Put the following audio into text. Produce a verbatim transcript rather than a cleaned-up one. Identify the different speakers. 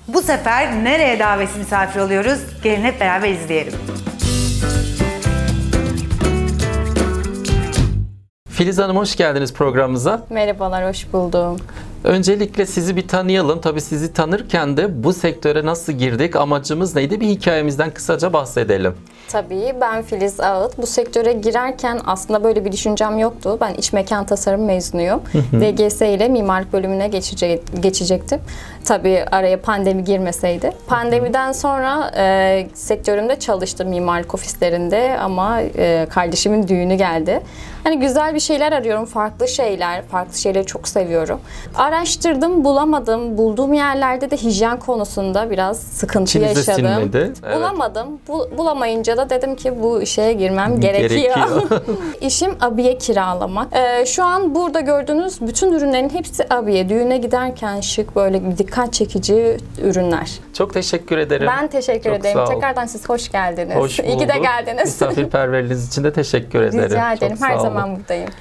Speaker 1: Bu sefer nereye davetsiz misafir oluyoruz? Gelin hep beraber izleyelim.
Speaker 2: Filiz Hanım, hoş geldiniz programımıza.
Speaker 3: Merhabalar, hoş buldum.
Speaker 2: Öncelikle sizi bir tanıyalım. Tabii sizi tanırken de bu sektöre nasıl girdik, amacımız neydi, bir hikayemizden kısaca bahsedelim.
Speaker 3: Tabii, ben Filiz Ağıt. Bu sektöre girerken aslında böyle bir düşüncem yoktu. Ben iç mekan tasarım mezunuyum. D G S ile mimarlık bölümüne geçecek, geçecektim. Tabii araya pandemi girmeseydi. Pandemiden sonra e, sektörümde çalıştım mimarlık ofislerinde ama e, kardeşimin düğünü geldi. Hani güzel bir şeyler arıyorum, farklı şeyler, farklı şeyleri çok seviyorum. Araştırdım, bulamadım. Bulduğum yerlerde de hijyen konusunda biraz sıkıntı
Speaker 2: İçinize
Speaker 3: yaşadım.
Speaker 2: sinmedi. Evet.
Speaker 3: Bulamadım. Bu, bulamayınca da dedim ki bu işe girmem gerekiyor.
Speaker 2: Gerekiyor.
Speaker 3: İşim abiye kiralamak. Ee, şu an burada gördüğünüz bütün ürünlerin hepsi abiye. Düğüne giderken şık, böyle bir dikkat çekici ürünler.
Speaker 2: Çok teşekkür ederim.
Speaker 3: Ben teşekkür
Speaker 2: Çok
Speaker 3: ederim.
Speaker 2: sağ ol.
Speaker 3: Tekrardan siz hoş geldiniz.
Speaker 2: Hoş
Speaker 3: İyi ki de
Speaker 2: bulduk.
Speaker 3: geldiniz.
Speaker 2: Misafirperverliğiniz için de teşekkür ederim.
Speaker 3: Rica ederim.
Speaker 2: Çok
Speaker 3: Her
Speaker 2: sağ olun.
Speaker 3: zaman buradayım.